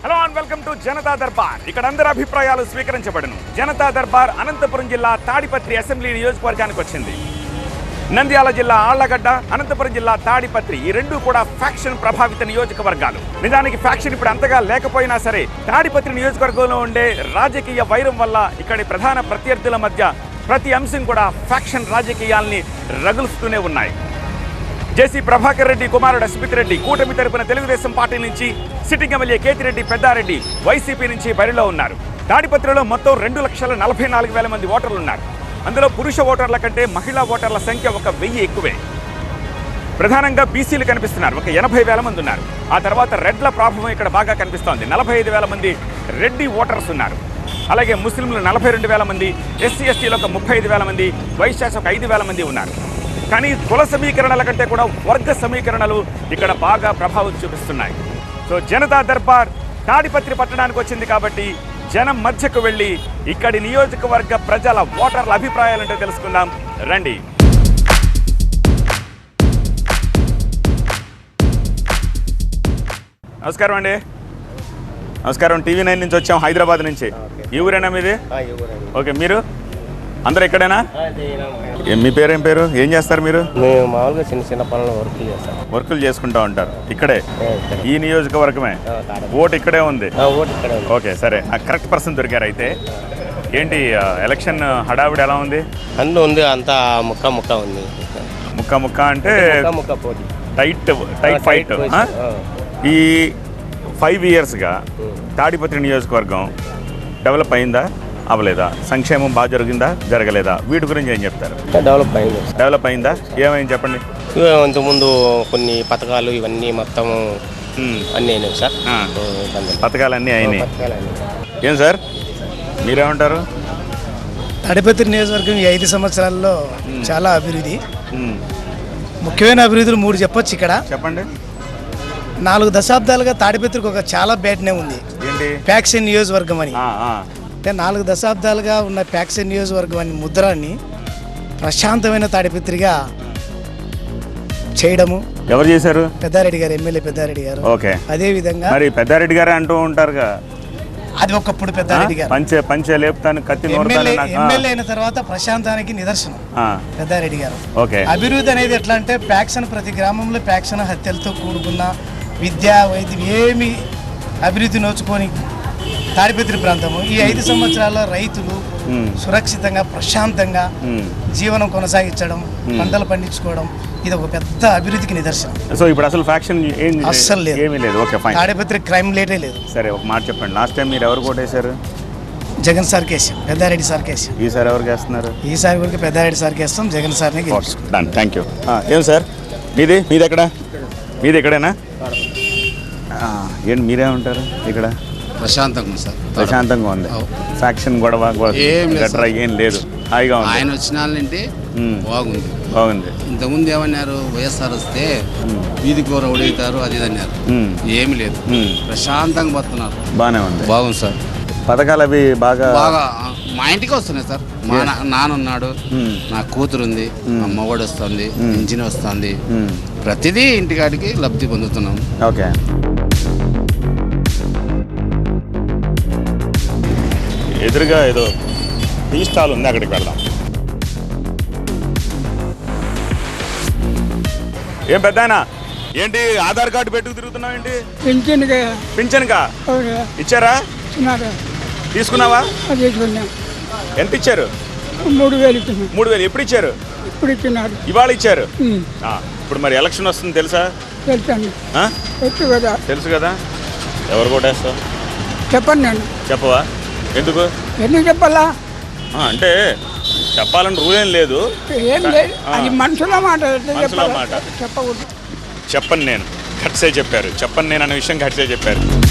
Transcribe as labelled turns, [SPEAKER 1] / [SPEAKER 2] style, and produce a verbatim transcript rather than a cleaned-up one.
[SPEAKER 1] Hello and welcome to Janata Darbar. ఇక్కడ అందరి అభిప్రాయాలు స్వీకరించబడును. జనతా దర్బార్ అనంతపురం జిల్లా తాడిపత్రి అసెంబ్లీ నియోజకవర్గానికి వచ్చింది. నంద్యాల జిల్లా ఆళ్లగడ్డ, అనంతపురం జిల్లా తాడిపత్రి ఈ రెండు కూడా ఫ్యాక్షన్ ప్రభావిత నియోజకవర్గాలు. నిజానికి ఫ్యాక్షన్ ఇప్పుడు అంతగా లేకపోయినా సరే తాడిపత్రి నియోజకవర్గంలో ఉండే రాజకీయ వైరం వల్ల ఇక్కడి ప్రధాన ప్రత్యర్థుల మధ్య ప్రతి అంశం కూడా ఫ్యాక్షన్ రాజకీయాల్ని రగులుస్తూనే ఉన్నాయి. జేసీ ప్రభాకర్ రెడ్డి కుమారుడు అస్మిత్ రెడ్డి కూటమి తరపున తెలుగుదేశం పార్టీ నుంచి, sitting MLA Kethireddy Peddareddy YCP నుంచి బరిలో ఉన్నారు. తాడిపత్రిలో మొత్తం రెండు లక్షల నలభై నాలుగు వేల మంది ఓటర్లు ఉన్నారు. అందులో పురుష ఓటర్ల కంటే మహిళా ఓటర్ల సంఖ్య ఒక వెయ్యి ఎక్కువే. ప్రధానంగా బీసీలు కనిపిస్తున్నారు, ఒక ఎనభై వేల మంది ఉన్నారు. ఆ తర్వాత రెడ్ల ప్రభావం ఇక్కడ బాగా కనిపిస్తోంది. నలభై ఐదు వేల మంది రెడ్డి ఓటర్స్ ఉన్నారు. అలాగే ముస్లింలు నలభై రెండు వేల మంది, ఎస్సీ ఎస్టీలు ఒక ముప్పై ఐదు వేల మంది, వైశ్యాస్ ఒక ఐదు వేల మంది ఉన్నారు. కానీ కుల సమీకరణల కంటే కూడా వర్గ సమీకరణలు ఇక్కడ బాగా ప్రభావం చూపిస్తున్నాయి. సో జనతా దర్బార్ తాడిపత్రి పట్టణానికి వచ్చింది కాబట్టి జనం మధ్యకు వెళ్ళి ఇక్కడి నియోజకవర్గ ప్రజల ఓటర్ల అభిప్రాయాలంటే తెలుసుకుందాం రండి. నమస్కారం అండి. నమస్కారం. టీవీ నైన్ నుంచి వచ్చాం, హైదరాబాద్ నుంచి. ఈ ఊరేనా మీది? ఓకే, మీరు అందరు ఇక్కడేనా? మీ పేరు ఏం పేరు? ఏం చేస్తారు మీరు?
[SPEAKER 2] మేము మామూలుగా చిన్న చిన్న పనులు వర్కులు చేస్తాం.
[SPEAKER 1] వర్కులు చేసుకుంటా ఉంటారు ఇక్కడే, ఈ నియోజకవర్గమే. ఓటు ఇక్కడే ఉంది. ఓకే, సరే. కరెక్ట్ పర్సన్ దొరికారు. అయితే ఏంటి ఎలక్షన్ హడావిడి ఎలా ఉంది?
[SPEAKER 2] అన్నీ ఉంది, అంతా ముక్క ముక్క ఉంది.
[SPEAKER 1] ముక్క ముక్క అంటే
[SPEAKER 2] ముక్క పోటీ,
[SPEAKER 1] టైట్ టైట్ ఫైట్. ఈ ఫైవ్ ఇయర్స్గా తాడిపత్రి నియోజకవర్గం డెవలప్ అయిందా, అవ్వలేదా? సంక్షేమం బాగా జరిగిందా, జరగలేదా? వీటి గురించి ఏం చెప్తారు?
[SPEAKER 2] డెవలప్ అయింది.
[SPEAKER 1] డెవలప్ అయిందా? ఏమైంది చెప్పండి.
[SPEAKER 2] ఇంతకుముందు కొన్ని పథకాలు ఇవన్నీ మొత్తం అన్నీ అయినాయి సార్.
[SPEAKER 1] పథకాలు అన్నీ అయినాయి. ఏం సార్ మీరేమంటారు?
[SPEAKER 3] తాడిపత్రి నియోజకవర్గం ఈ ఐదు సంవత్సరాల్లో చాలా అభివృద్ధి, ముఖ్యమైన అభివృద్ధులు మూడు చెప్పొచ్చు ఇక్కడ.
[SPEAKER 1] చెప్పండి.
[SPEAKER 3] నాలుగు దశాబ్దాలుగా తాడిపత్రికి ఒక చాలా బ్యాడ్నే ఉంది, ఫ్యాక్షన్ నియోజకవర్గం అని. అంటే నాలుగు దశాబ్దాలుగా ఉన్న ఫ్యాక్షన్ నియోజకవర్గం అని ముద్రాన్ని ప్రశాంతమైన తాడిపత్రిగా చేయడము
[SPEAKER 1] ఎవరు చేశారు?
[SPEAKER 3] పెద్దారెడ్డి గారు, ఎమ్మెల్యే పెద్దారెడ్డి గారు.
[SPEAKER 1] ఓకే.
[SPEAKER 3] అదే విధంగా
[SPEAKER 1] మరి పెద్దారెడ్డి గారు అంటూ ఉంటారుగా,
[SPEAKER 3] అది ఒకప్పుడు పెద్దారెడ్డి గారు
[SPEAKER 1] పంచే పంచే లేపుతాను కత్తి
[SPEAKER 3] ఎమ్మెల్యే ఎమ్మెల్యే అయిన తర్వాత ప్రశాంతానికి నిదర్శనం పెద్దారెడ్డి గారు.
[SPEAKER 1] ఓకే.
[SPEAKER 3] అభివృద్ధి అనేది ఎట్లా అంటే ఫ్యాక్షన్, ప్రతి గ్రామంలో ఫ్యాక్షన్ హత్యలతో కూడుకున్న విద్య వైద్యం ఏమి అభివృద్ధి నోచుకొని తాడిపత్రి ప్రాంతము ఈ ఐదు సంవత్సరాల్లో రైతులు సురక్షితంగా ప్రశాంతంగా జీవనం కొనసాగించడం, పంటలు పండించుకోవడం, ఇది ఒక పెద్ద అభివృద్ధికి నిదర్శనం.
[SPEAKER 1] సో ఇప్పుడు అసలు ఫ్యాక్షన్
[SPEAKER 3] అస్సలు లేదు,
[SPEAKER 1] ఏమీ లేదు. Okay, fine.
[SPEAKER 3] తాడిపత్రి క్రైమ్ లేటే లేదు.
[SPEAKER 1] సరే, ఒక మాట చెప్పండి. లాస్ట్ టైం మీరు ఎవరు కోటేశారు?
[SPEAKER 3] జగన్ సార్ కేసు, పెద్దారెడ్డి సార్ కేసు.
[SPEAKER 1] ఈసారి ఎవరు వేస్తున్నారు?
[SPEAKER 3] ఈసారి కూడా పెద్దారెడ్డి సార్ కేస్తాం, జగన్ సార్ని గెలుచుకుంటాం.
[SPEAKER 1] Thank you. ఏం సార్ మీది మీది ఎక్కడ? మీది ఎక్కడేనా? ఏంటి మీరేమంటారు? ఇక్కడ
[SPEAKER 4] ప్రశాంతంగా సార్,
[SPEAKER 1] ప్రశాంతంగా ఉంది. ఫ్యాక్షన్ గొడవ గట్రా ఏం లేదు, హాయిగా ఉంది.
[SPEAKER 4] ఆయన వచ్చిన వాళ్ళంటే బాగుంది
[SPEAKER 1] బాగుంది.
[SPEAKER 4] ఇంతకుముందు ఏమన్నారు, వైఎస్ఆర్ వస్తే వీధి కూర ఉడవుతారు అది ఇది అన్నారు. ఏమి లేదు, ప్రశాంతంగా బతున్నారు.
[SPEAKER 1] బాగానే ఉంది,
[SPEAKER 4] బాగుంది సార్.
[SPEAKER 1] పథకాలు అవి బాగా
[SPEAKER 4] బాగా మా ఇంటికి వస్తున్నాయి సార్. మా నాన్న ఉన్నాడు, నా కూతురు ఉంది, మా మగవాడు వస్తుంది, ఇంజిన్ వస్తుంది, ప్రతిదీ ఇంటికాడికి లబ్ధి పొందుతున్నాం.
[SPEAKER 1] ఓకే. ఎదురుగా ఏదో టీ స్టాల్ ఉంది, అక్కడికి వెళ్దాం. ఏం పెద్దాయనా, ఏంటి ఆధార్ కార్డు పెట్టుకు తిరుగుతున్నావు ఏంటి? పింఛన్కా ఇచ్చారా? తీసుకున్నావా? ఎంత ఇచ్చారు?
[SPEAKER 5] మూడు వేలు
[SPEAKER 1] మూడు వేలు ఎప్పుడు ఇచ్చారు?
[SPEAKER 5] ఇప్పుడు ఇచ్చినారు,
[SPEAKER 1] ఇవాళ ఇచ్చారు. ఇప్పుడు మరి ఎలక్షన్ వస్తుంది తెలుసా?
[SPEAKER 5] తెలుసు కదా.
[SPEAKER 1] తెలుసు కదా. ఎవరు కొట్టేస్తావు
[SPEAKER 5] చెప్పండి. నేను
[SPEAKER 1] చెప్పవా? ఎందుకు
[SPEAKER 5] ఎందుకు చెప్పాలా
[SPEAKER 1] అంటే చెప్పాలని రూల్ ఏం లేదు.
[SPEAKER 5] ఏం లేదు, అది మనుషుల మాట.
[SPEAKER 1] మనుషుల మాట
[SPEAKER 5] చెప్పకూడదు.
[SPEAKER 1] చెప్పను నేను, ఘట్సే చెప్పారు. చెప్పను నేను అనే విషయం ఘట్సే చెప్పారు.